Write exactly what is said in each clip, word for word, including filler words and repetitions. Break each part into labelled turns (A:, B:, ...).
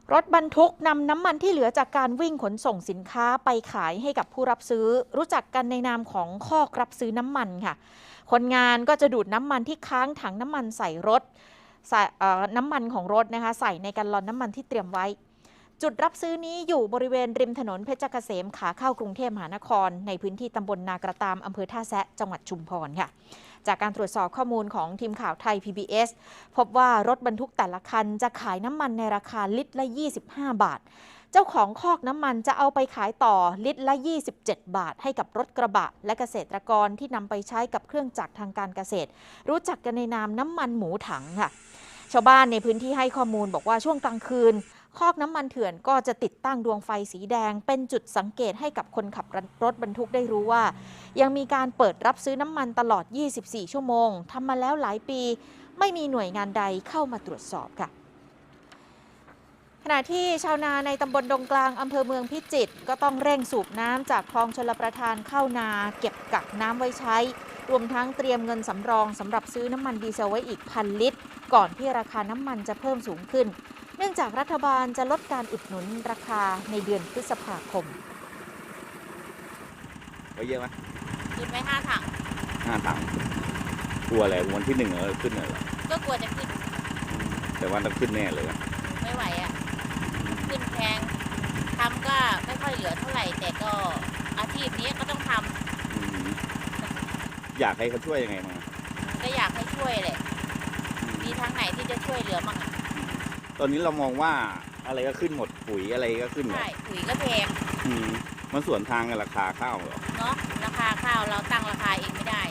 A: รถบรรทุกนำน้ำมันที่เหลือจากการวิ่งขนส่งสินค้าไปขายให้กับผู้รับซื้อรู้จักกันในนามของคอกรับซื้อน้ำมันค่ะคนงานก็จะดูดน้ำมันที่ค้างถังน้ำมันใส่รถใส่น้ำมันของรถนะคะใส่ในแกลลอนน้ำมันที่เตรียมไว้จุดรับซื้อนี้อยู่บริเวณริมถนนเพชรเกษมขาเข้ากรุงเทพมหานครในพื้นที่ตำบลนากระตามอำเภอท่าแซะจังหวัดชุมพรค่ะจากการตรวจสอบข้อมูลของทีมข่าวไทย พี บี เอส พบว่ารถบรรทุกแต่ละคันจะขายน้ำมันในราคาลิตรละยี่สิบห้าบาทเจ้าของคอกน้ำมันจะเอาไปขายต่อลิตรละยี่สิบเจ็ดบาทให้กับรถกระบะและเกษตรกรที่นำไปใช้กับเครื่องจักรทางการเกษตรรู้จักกันในนามน้ำมันหมูถังค่ะชาวบ้านในพื้นที่ให้ข้อมูลบอกว่าช่วงกลางคืนคอกน้ำมันเถื่อนก็จะติดตั้งดวงไฟสีแดงเป็นจุดสังเกตให้กับคนขับรถบรรทุกได้รู้ว่ายังมีการเปิดรับซื้อน้ำมันตลอดยี่สิบสี่ชั่วโมงทำมาแล้วหลายปีไม่มีหน่วยงานใดเข้ามาตรวจสอบค่ะขณะที่ชาวนาในตำบลดงกลางอำเภอเมืองพิจิตรก็ต้องเร่งสูบน้ำจากคลองชลประทานเข้านาเก็บกักน้ำไว้ใช้รวมทั้งเตรียมเงินสำรองสำหรับซื้อน้ำมันดีเซลไว้อีกพันลิตรก่อนที่ราคาน้ำมันจะเพิ่มสูงขึ้นเนื่องจากรัฐบาลจะลดการอุดหนุนราคาในเดือนพฤษภาคม
B: ไว้เยอะไหม
C: ขึ้นไปห้าถัง
B: ห้าถังกลัวอะไรวันที่หนึ่งเออขึ้นเหรอ
C: ก็กลัวจะขึ้น
B: แต่ว่าต้องขึ้นแน่เลย
C: ไม่ไหวอ่ะขึ้นแพงทำก็ไม่ค่อยเหลือเท่าไหร่แต่ก็อาชีพนี้ก็ต้องท
B: ำอยากให้เขาช่วยยังไงมา
C: ก็อยากให้ช่วยเลยมีทางไหนที่จะช่วยเหลือมั่งอ่ะ
B: ตอนนี้เรามองว่าอะไรก็ขึ้นหมดปุ๋ยอะไรก็ขึ้นหมด
C: ใช่ปุ๋ยก็แพง
B: มันส่วนทางกับราคาข้าวเหรอ
C: เนาะราคาข้าวเราตั้งราคาเองไม่ได้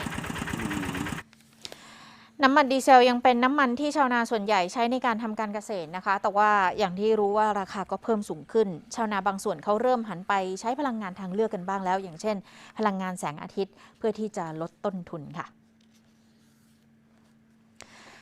A: น้ำมันดีเซลยังเป็นน้ำมันที่ชาวนาส่วนใหญ่ใช้ในการทำการเกษตรนะคะแต่ว่าอย่างที่รู้ว่าราคาก็เพิ่มสูงขึ้นชาวนาบางส่วนเขาเริ่มหันไปใช้พลังงานทางเลือกกันบ้างแล้วอย่างเช่นพลังงานแสงอาทิตย์เพื่อที่จะลดต้นทุนค่ะ